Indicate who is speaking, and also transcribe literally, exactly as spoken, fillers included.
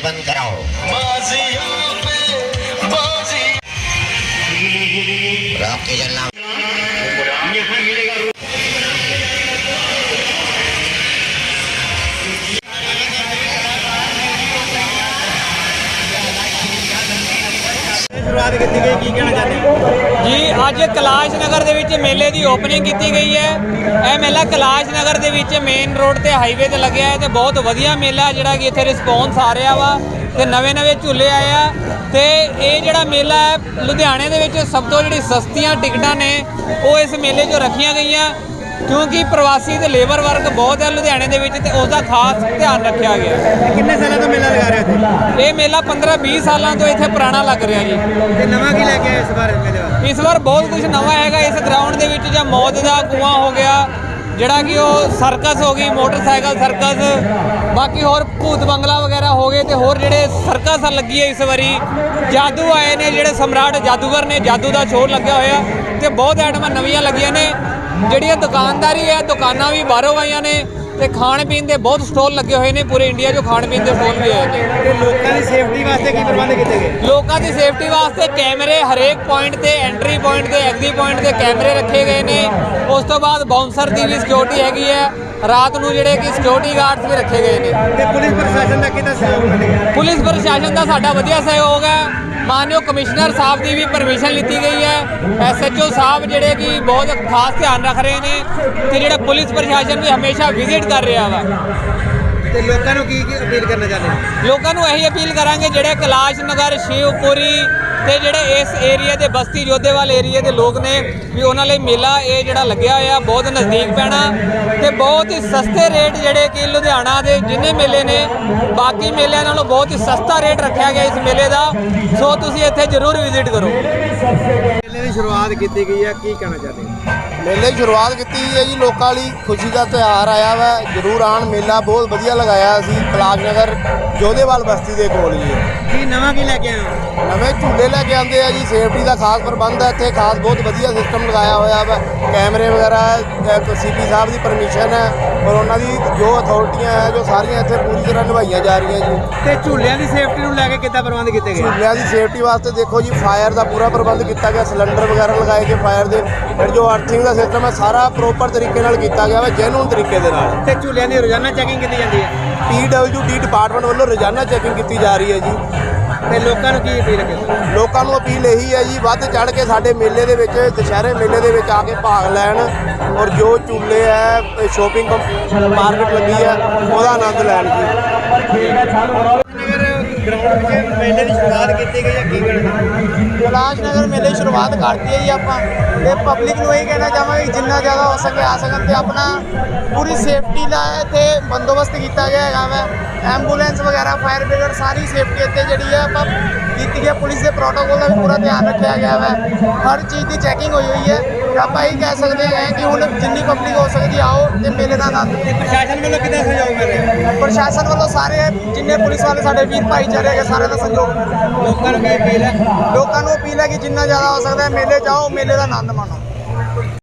Speaker 1: बंद कराओ। राम के जन्म
Speaker 2: शुरुआत की गई की कहना चाहते
Speaker 3: जी अज कैलाश नगर ਦੇ ਵਿੱਚ ਮੇਲੇ ਦੀ ਓਪਨਿੰਗ ਕੀਤੀ ਗਈ ਹੈ। ਇਹ ਮੇਲਾ कैलाश नगर ਦੇ ਵਿੱਚ ਮੇਨ ਰੋਡ ਤੇ ਹਾਈਵੇ ਤੇ ਲੱਗਿਆ ਹੈ ਤੇ ਬਹੁਤ ਵਧੀਆ ਮੇਲਾ ਜਿਹੜਾ ਕਿ ਇੱਥੇ ਰਿਸਪੌਂਸ ਆ ਰਿਹਾ ਵਾ ਤੇ ਨਵੇਂ ਨਵੇਂ ਝੂਲੇ ਆਏ ਆ ਤੇ ਇਹ ਜਿਹੜਾ ਮੇਲਾ ਹੈ ਲੁਧਿਆਣੇ ਦੇ ਵਿੱਚ ਸਭ ਤੋਂ ਜਿਹੜੀ ਸਸਤੀਆਂ ਟਿਕਟਾਂ ਨੇ ਉਹ ਇਸ ਮੇਲੇ 'ਚੋਂ ਰੱਖੀਆਂ ਗਈਆਂ क्योंकि प्रवासी तो लेबर वर्ग बहुत है लुधियाने दे विच ते उसका खास ध्यान रखा गया।
Speaker 2: कितने सालों तो मेला लगा रहे थे?
Speaker 3: ये मेला पंद्रह बीस सालों तो इत्थे पुराना लग रहा जी।
Speaker 2: ते नवा की लेके आए इस बार मेले वाले?
Speaker 3: इस बार बहुत कुछ नवा है। इस ग्राउंड के विच जां मौत का कुआं हो गया जिहड़ा कि वो सर्कस हो गई, मोटरसाइकिल सर्कस, बाकी होर भूत बंगला वगैरह हो गए तो होर जिहड़े सर्कस लगी है इस बारी जादू आए ने जिहड़े सम्राट जादूगर ने जादू का शो लग्या होया ते बहुत आइटमां नवीं लगियां ने। ਜਿਹੜੀਆਂ ਦੁਕਾਨਦਾਰੀ ਹੈ ਦੁਕਾਨਾਂ ਵੀ ਬਾਹਰੋਂ ਆਈਆਂ ਨੇ ਤੇ ਖਾਣ ਪੀਣ ਦੇ ਬਹੁਤ ਸਟਾਲ ਲੱਗੇ ਹੋਏ ਨੇ ਪੂਰੇ ਇੰਡੀਆ 'ਚੋਂ ਖਾਣ ਪੀਣ ਦੇ ਸਟਾਲ ਵੀ ਆਏ ਨੇ।
Speaker 2: ਤੇ ਲੋਕਾਂ ਦੀ ਸੇਫਟੀ ਵਾਸਤੇ ਕੀ ਪ੍ਰਬੰਧ ਕੀਤੇ ਗਏ?
Speaker 3: ਲੋਕਾਂ ਦੀ ਸੇਫਟੀ ਵਾਸਤੇ ਕੈਮਰੇ ਹਰੇਕ ਪੁਆਇੰਟ ਤੇ ਐਂਟਰੀ ਪੁਆਇੰਟ ਤੇ ਐਗਜ਼ਿਟ ਪੁਆਇੰਟ ਤੇ ਕੈਮਰੇ ਰੱਖੇ ਗਏ ਨੇ। ਉਸ ਤੋਂ ਬਾਅਦ ਬਾਉਂਸਰ ਦੀ ਵੀ ਸਿਕਿਉਰਿਟੀ ਹੈਗੀ ਹੈ। ਰਾਤ ਨੂੰ ਜਿਹੜੇ ਕਿ ਸਿਕਿਉਰਿਟੀ ਗਾਰਡਸ ਵੀ ਰੱਖੇ ਗਏ ਨੇ।
Speaker 2: ਤੇ ਪੁਲਿਸ ਪ੍ਰਸ਼ਾਸਨ ਦਾ ਕਿੰਨਾ ਸਹਿਯੋਗ ਮਿਲੇਗਾ?
Speaker 3: ਪੁਲਿਸ ਪ੍ਰਸ਼ਾਸਨ ਦਾ ਸਾਡਾ ਵਧੀਆ ਸਹਿਯੋਗ ਹੈ। मानयोग कमिश्नर साहब की भी परमिशन ली गई है। एस एच ओ साहब जोड़े कि बहुत खास ध्यान रख रहे हैं तो जो पुलिस प्रशासन भी हमेशा विजिट कर रहा वा।
Speaker 2: ਤੇ ਲੋਕਾਂ ਨੂੰ ਕੀ ਕੀ ਅਪੀਲ ਕਰਨਾ ਚਾਹੁੰਦੇ ਹੋ?
Speaker 3: ਲੋਕਾਂ ਨੂੰ ਇਹੀ ਅਪੀਲ ਕਰਾਂਗੇ ਜਿਹੜੇ ਕੈਲਾਸ਼ ਨਗਰ ਸ਼ਿਵਪੁਰੀ ਤੇ ਜਿਹੜੇ ਇਸ ਏਰੀਆ ਦੇ ਬਸਤੀ ਜੋਧੇਵਾਲ ਏਰੀਆ ਦੇ ਲੋਕ ਨੇ ਵੀ ਉਹਨਾਂ ਲਈ ਮੇਲਾ ਇਹ ਜਿਹੜਾ ਲੱਗਿਆ ਹੋਇਆ ਬਹੁਤ ਨਜ਼ਦੀਕ ਪੈਣਾ ਤੇ ਬਹੁਤ ਹੀ ਸਸਤੇ ਰੇਟ ਜਿਹੜੇ ਕਿ ਲੁਧਿਆਣਾ ਦੇ ਜਿੰਨੇ ਮੇਲੇ ਨੇ ਬਾਕੀ ਮੇਲਿਆਂ ਨਾਲੋਂ ਬਹੁਤ ਹੀ ਸਸਤਾ ਰੇਟ ਰੱਖਿਆ ਗਿਆ ਇਸ ਮੇਲੇ ਦਾ। ਸੋ ਤੁਸੀਂ ਇੱਥੇ ਜ਼ਰੂਰ ਵਿਜ਼ਿਟ ਕਰੋ।
Speaker 2: ਮੇਲੇ ਦੀ ਸ਼ੁਰੂਆਤ ਕੀਤੀ ਗਈ ਹੈ, ਕੀ ਕਹਿਣਾ ਚਾਹੁੰਦੇ ਹੋ?
Speaker 4: ਮੇਲੇ ਦੀ ਸ਼ੁਰੂਆਤ ਕੀਤੀ ਹੈ ਜੀ ਲੋਕਾਂ ਲਈ ਖੁਸ਼ੀ ਦਾ ਤਿਉਹਾਰ ਆਇਆ ਵਾ। ਜ਼ਰੂਰ ਆਉਣ, ਮੇਲਾ ਬਹੁਤ ਵਧੀਆ ਲਗਾਇਆ ਅਸੀਂ ਕੈਲਾਸ਼ ਨਗਰ ਜੋਧੇਵਾਲ ਬਸਤੀ ਦੇ ਕੋਲ ਜੀ।
Speaker 2: ਕੀ ਨਵਾਂ ਕੀ ਲੈ ਕੇ ਆਏ ਹੋ?
Speaker 4: ਨਵੇਂ ਝੂਲੇ ਲੈ ਕੇ ਆਉਂਦੇ ਆ ਜੀ। ਸੇਫਟੀ ਦਾ ਖਾਸ ਪ੍ਰਬੰਧ ਹੈ ਇੱਥੇ, ਖਾਸ ਬਹੁਤ ਵਧੀਆ ਸਿਸਟਮ ਲਗਾਇਆ ਹੋਇਆ ਵਾ। ਕੈਮਰੇ ਵਗੈਰਾ ਸੀ ਪੀ ਸਾਹਿਬ ਦੀ ਪਰਮਿਸ਼ਨ ਹੈ ਔਰ ਉਹਨਾਂ ਦੀ ਜੋ ਅਥਾਰਟੀਆਂ ਹੈ ਜੋ ਸਾਰੀਆਂ ਇੱਥੇ ਪੂਰੀ ਤਰ੍ਹਾਂ ਨਿਭਾਈਆਂ ਜਾ ਰਹੀਆਂ ਜੀ।
Speaker 2: ਤੇ ਝੂਲਿਆਂ ਦੀ ਸੇਫਟੀ ਨੂੰ ਲੈ ਕੇ ਕਿੱਦਾਂ ਪ੍ਰਬੰਧ ਕੀਤੇ ਗਏ?
Speaker 4: ਝੂਲਿਆਂ ਦੀ ਸੇਫਟੀ ਵਾਸਤੇ ਦੇਖੋ ਜੀ ਫਾਇਰ ਦਾ ਪੂਰਾ ਪ੍ਰਬੰਧ ਕੀਤਾ ਗਿਆ। ਸਿਲੰਡਰ ਵਗੈਰਾ ਲਗਾਏ ਗਏ ਫਾਇਰ ਦੇ। ਫਿਰ ਜੋ ਅਰਥਿੰਗ ਦਾ ਸਿਸਟਮ ਹੈ ਸਾਰਾ ਪ੍ਰੋਪਰ ਤਰੀਕੇ ਨਾਲ ਕੀਤਾ ਗਿਆ ਵਾ, ਜੈਨੂਨ ਤਰੀਕੇ ਦੇ ਨਾਲ।
Speaker 2: ਤੇ ਝੂਲਿਆਂ ਦੀ ਰੋਜ਼ਾਨਾ ਚੈਕਿੰਗ ਕੀਤੀ ਜਾਂਦੀ ਹੈ?
Speaker 4: ਪੀ ਡਬਲਯੂ ਡੀ ਡਿਪਾਰਟਮੈਂਟ ਵੱਲੋਂ ਰੋਜ਼ਾਨਾ ਚੈਕਿੰਗ ਕੀਤੀ ਜਾ ਰਹੀ ਹੈ ਜੀ।
Speaker 2: ਤੇ ਲੋਕਾਂ ਨੂੰ ਕੀ ਅਪੀਲ ਕਰਦੇ?
Speaker 4: ਲੋਕਾਂ ਨੂੰ ਅਪੀਲ ਇਹੀ ਹੈ ਜੀ ਵੱਧ ਚੜ੍ਹ ਕੇ ਸਾਡੇ ਮੇਲੇ ਦੇ ਵਿੱਚ ਦੁਸ਼ਹਿਰੇ ਮੇਲੇ ਦੇ ਵਿੱਚ ਆ ਕੇ ਭਾਗ ਲੈਣ ਔਰ ਜੋ ਝੂਲੇ ਹੈ ਸ਼ੋਪਿੰਗ ਮਾਰਕੀਟ ਲੱਗੀ ਹੈ ਉਹਦਾ ਆਨੰਦ ਲੈਣ ਜੀ।
Speaker 2: ਗਰਾਊਂਡ ਵਿੱਚ ਮੇਲੇ ਦੀ ਸ਼ੁਰੂਆਤ ਕੀਤੀ ਗਈ ਹੈ, ਕੀ ਕਹਿਣਾ?
Speaker 4: ਕੈਲਾਸ਼ ਨਗਰ ਮੇਲੇ ਦੀ ਸ਼ੁਰੂਆਤ ਕਰਤੀ ਹੈ ਜੀ ਆਪਾਂ ਤੇ ਪਬਲਿਕ ਨੂੰ ਇਹ ਕਹਿਣਾ ਚਾਹਾਂਗੇ ਜਿੰਨਾ ਜ਼ਿਆਦਾ ਹੋ ਸਕੇ ਆ ਸਕਣ ਤੇ ਆਪਣਾ ਪੂਰੀ ਸੇਫਟੀ ਦਾ ਇੱਥੇ ਬੰਦੋਬਸਤ ਕੀਤਾ ਗਿਆ ਹੈਗਾ ਵਾ। ਐਂਬੂਲੈਂਸ ਵਗੈਰਾ ਫਾਇਰ ਬ੍ਰਿਗੇਡ ਸਾਰੀ ਸੇਫਟੀ ਇੱਥੇ ਜਿਹੜੀ ਹੈ ਆਪਾਂ ਕੀਤੀ ਗਈ। ਪੁਲਿਸ ਦੇ ਪ੍ਰੋਟੋਕੋਲ ਦਾ ਵੀ ਪੂਰਾ ਧਿਆਨ ਰੱਖਿਆ ਗਿਆ ਵਾ। ਹਰ ਚੀਜ਼ ਦੀ ਚੈਕਿੰਗ ਹੋਈ ਹੋਈ ਹੈ। ਆਪਾਂ ਇਹ ਕਹਿ ਸਕਦੇ ਹਾਂ ਕਿ ਹੁਣ ਜਿੰਨੀ ਪਬਲਿਕ ਹੋ ਸਕਦੀ ਆਓ ਤੇ ਮੇਲੇ ਦਾ ਆਨੰਦ।
Speaker 2: ਪ੍ਰਸ਼ਾਸਨ ਵੱਲੋਂ ਕਿੰਨਾ ਸਹਿਯੋਗ ਮਿਲ ਰਿਹਾ?
Speaker 4: ਪ੍ਰਸ਼ਾਸਨ ਵੱਲੋਂ ਸਾਰੇ ਜਿੰਨੇ ਪੁਲਿਸ ਵਾਲੇ ਸਾਡੇ ਵੀਰ ਭਾਈਚਾਰੇ ਹੈਗੇ ਸਾਰਿਆਂ ਦਾ ਸਹਿਯੋਗ।
Speaker 2: ਲੋਕਾਂ ਨੂੰ ਕੀ ਅਪੀਲ ਹੈ?
Speaker 4: ਲੋਕਾਂ ਨੂੰ ਅਪੀਲ ਹੈ ਕਿ ਜਿੰਨਾ ਜ਼ਿਆਦਾ ਹੋ ਸਕਦਾ ਹੈ ਮੇਲੇ ਜਾਓ, ਮੇਲੇ ਦਾ ਆਨੰਦ ਮਾਣੋ।